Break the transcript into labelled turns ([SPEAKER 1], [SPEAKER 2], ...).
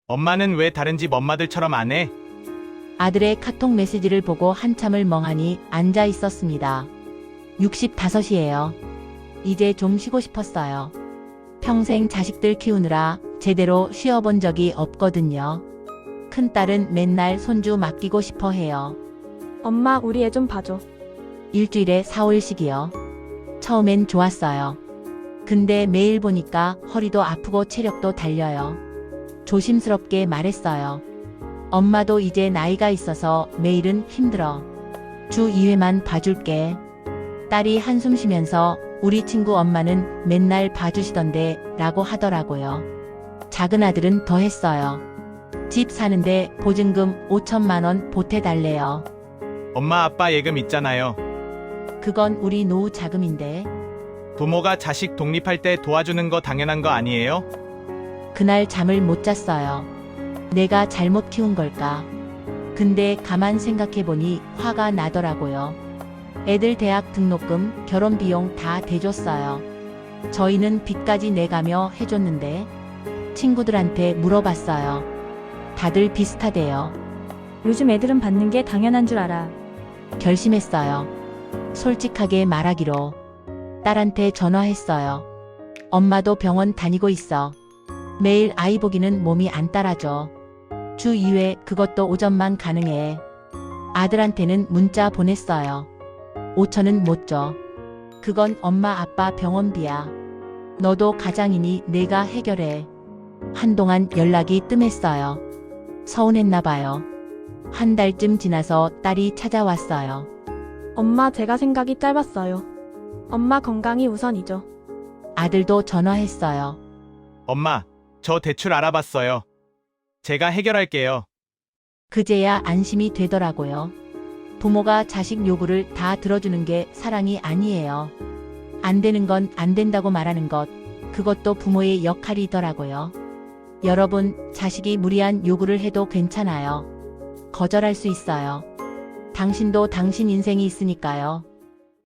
[SPEAKER 1] 엄마는 왜 다른 집 엄마들처럼 안 해?
[SPEAKER 2] 아들의 카톡 메시지를 보고 한참을 멍하니 앉아 있었습니다. 65이에요. 이제 좀 쉬고 싶었어요. 평생 자식들 키우느라 제대로 쉬어본 적이 없거든요. 큰딸은 맨날 손주 맡기고 싶어 해요.
[SPEAKER 3] 엄마, 우리 애 좀 봐줘.
[SPEAKER 2] 일주일에 4, 5일씩이요. 처음엔 좋았어요. 근데 매일 보니까 허리도 아프고 체력도 달려요. 조심스럽게 말했어요. 엄마도 이제 나이가 있어서 매일은 힘들어. 주 2회만 봐줄게. 딸이 한숨 쉬면서 우리 친구 엄마는 맨날 봐주시던데 라고 하더라고요. 작은 아들은 더 했어요. 집 사는데 보증금 5천만 원 보태달래요.
[SPEAKER 1] 엄마 아빠 예금 있잖아요.
[SPEAKER 2] 그건 우리 노후 자금인데.
[SPEAKER 1] 부모가 자식 독립할 때 도와주는 거 당연한 거 아니에요?
[SPEAKER 2] 그날 잠을 못 잤어요. 내가 잘못 키운 걸까? 근데 가만 생각해보니 화가 나더라고요. 애들 대학 등록금, 결혼 비용 다 대줬어요. 저희는 빚까지 내가며 해줬는데 친구들한테 물어봤어요. 다들 비슷하대요.
[SPEAKER 3] 요즘 애들은 받는 게 당연한 줄 알아.
[SPEAKER 2] 결심했어요. 솔직하게 말하기로. 딸한테 전화했어요. 엄마도 병원 다니고 있어. 매일 아이 보기는 몸이 안 따라줘. 주 2회 그것도 오전만 가능해. 아들한테는 문자 보냈어요. 5천은 못 줘. 그건 엄마 아빠 병원비야. 너도 가장이니 내가 해결해. 한동안 연락이 뜸했어요. 서운했나 봐요. 한 달쯤 지나서 딸이 찾아왔어요.
[SPEAKER 3] 엄마, 제가 생각이 짧았어요. 엄마 건강이 우선이죠.
[SPEAKER 2] 아들도 전화했어요.
[SPEAKER 1] 엄마, 저 대출 알아봤어요. 제가 해결할게요.
[SPEAKER 2] 그제야 안심이 되더라고요. 부모가 자식 요구를 다 들어주는 게 사랑이 아니에요. 안 되는 건 안 된다고 말하는 것, 그것도 부모의 역할이더라고요. 여러분, 자식이 무리한 요구를 해도 괜찮아요. 거절할 수 있어요. 당신도 당신 인생이 있으니까요.